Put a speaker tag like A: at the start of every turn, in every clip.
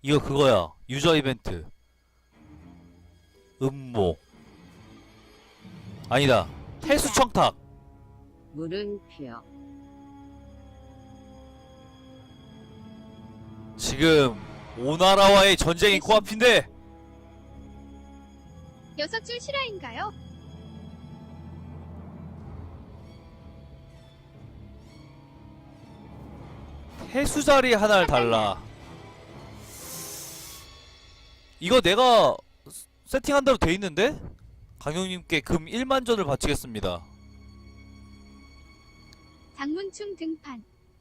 A: 이거 그거야. 유저 이벤트. 음모. 아니다. 해수 청탁.
B: 물음표.
A: 지금 오나라와의 전쟁이 코앞인데
C: 여섯 줄 실화인가요?
A: 해수자리 하나를 달라. 이거 내가 세팅한 대로 돼 있는데? 강용님께 금 1만 전을 바치겠습니다.
C: 장문충 등판.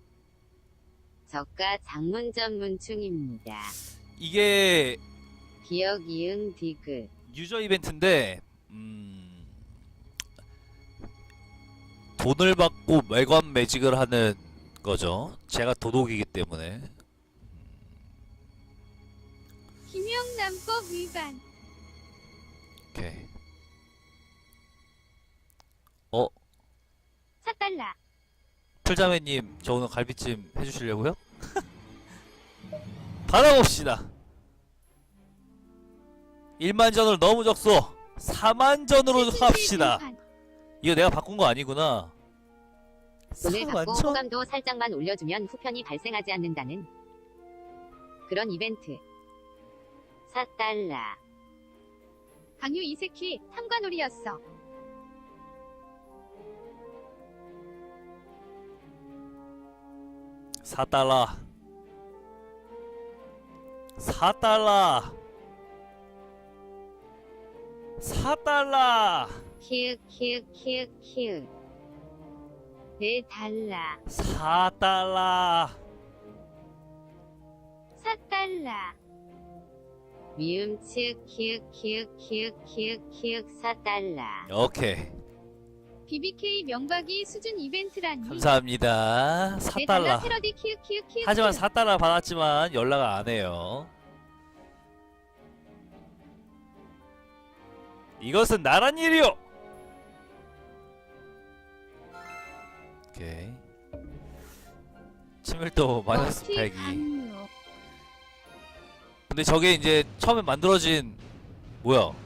B: 저가 장문 전문충입니다.
A: 이게
B: 기억 이응 디귿.
A: 유저 이벤트인데 돈을 받고 매관 매직을 하는 거죠. 제가 도둑이기 때문에.
C: 김영남법 위반.
A: 오케이.
C: 4달러.
A: 풀자매님, 저 오늘 갈비찜 해주시려고요? 받아봅시다. 1만 전으로 너무 적소. 4만 전으로 합시다. 이거 내가 바꾼 거 아니구나.
B: 돈을
A: 4만
B: 받고
A: 전?
B: 호감도 살짝만 올려주면 후편이 발생하지 않는다는 그런 이벤트. 4달러.
C: 강유 이세키 탐관오리였어.
A: $4. 4달러. 4달러.
B: 키읔. 4달러.
A: 4달러.
C: 4달러.
B: 미음측 키읔 4달러.
A: 오케이.
C: BBK 명박이 수준 이벤트라니.
A: 감사합니다. 4달러.
C: 패러디 키읔.
A: 하지만 4달러 받았지만 연락을 안 해요. 이것은 나란 일이요. 오케이. 친밀도 마이너스 102.
C: 강요.
A: 근데 저게 이제 처음에 만들어진 뭐야?